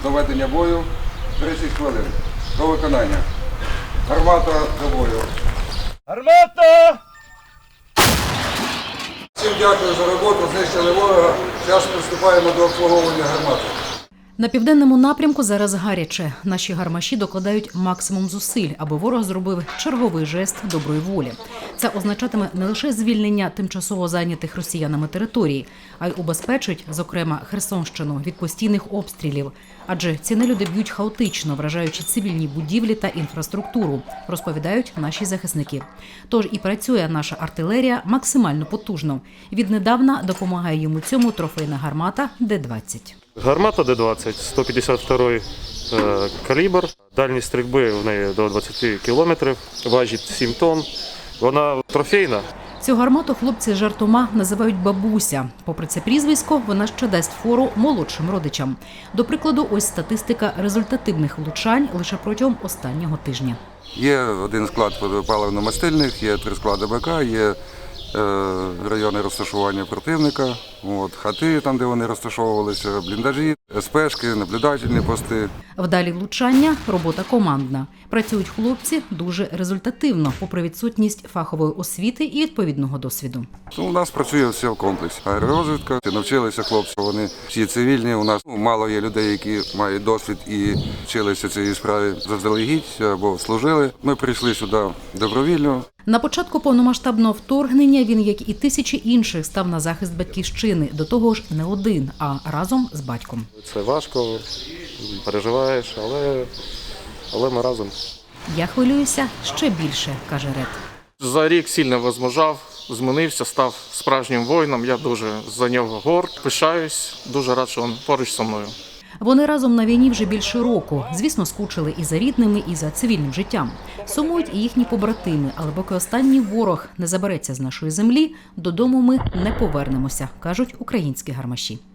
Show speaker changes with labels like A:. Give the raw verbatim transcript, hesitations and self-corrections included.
A: до ведення бою тридцять хвилин. До виконання. Гармата до бою.
B: Гармата!
A: Всім дякую за роботу, знищили ворога. Зараз приступаємо до обслуговування гармати.
C: На південному напрямку зараз гаряче. Наші гармаші докладають максимум зусиль, аби ворог зробив черговий жест доброї волі. Це означатиме не лише звільнення тимчасово зайнятих росіянами територій, а й убезпечить, зокрема, Херсонщину від постійних обстрілів. Адже ці нелюди б'ють хаотично, вражаючи цивільні будівлі та інфраструктуру, розповідають наші захисники. Тож і працює наша артилерія максимально потужно. Віднедавна допомагає йому цьому трофейна гармата Д двадцять.
D: Гармата Д двадцять, сто п'ятдесят другий е, калібр. Дальність стрільби в неї до двадцять кілометрів, важить сім тонн. Вона трофейна.
C: Цю гармату хлопці жартома називають «бабуся». Попри це прізвисько, вона ще дасть фору молодшим родичам. До прикладу, ось статистика результативних влучань лише протягом останнього тижня.
A: Є один склад паливно-мастильних, є три склади БК, є райони розташування противника, от, хати, там, де вони розташовувалися, бліндажі, СПшки, наблюдательні пости.
C: Вдалі влучання – робота командна. Працюють хлопці дуже результативно, попри відсутність фахової освіти і відповідного досвіду.
A: У нас працює все в комплексі. Аеророзвідка, навчилися хлопці, вони всі цивільні. У нас мало є людей, які мають досвід і вчилися цієї справі заздалегідь або служили. Ми прийшли сюди добровільно.
C: На початку повномасштабного вторгнення він, як і тисячі інших, став на захист батьківщини. До того ж, не один, а разом з батьком.
D: Це важко, переживаєш, але, але ми разом.
C: Я хвилююся ще більше, каже Ред.
E: За рік сильно возмужав, змінився, став справжнім воїном. Я дуже за нього горд, пишаюсь, дуже рад, що він поруч зі мною.
C: Вони разом на війні вже більше року. Звісно, скучили і за рідними, і за цивільним життям. Сумують і їхні побратими, але поки останній ворог не забереться з нашої землі, додому ми не повернемося, кажуть українські гармаші.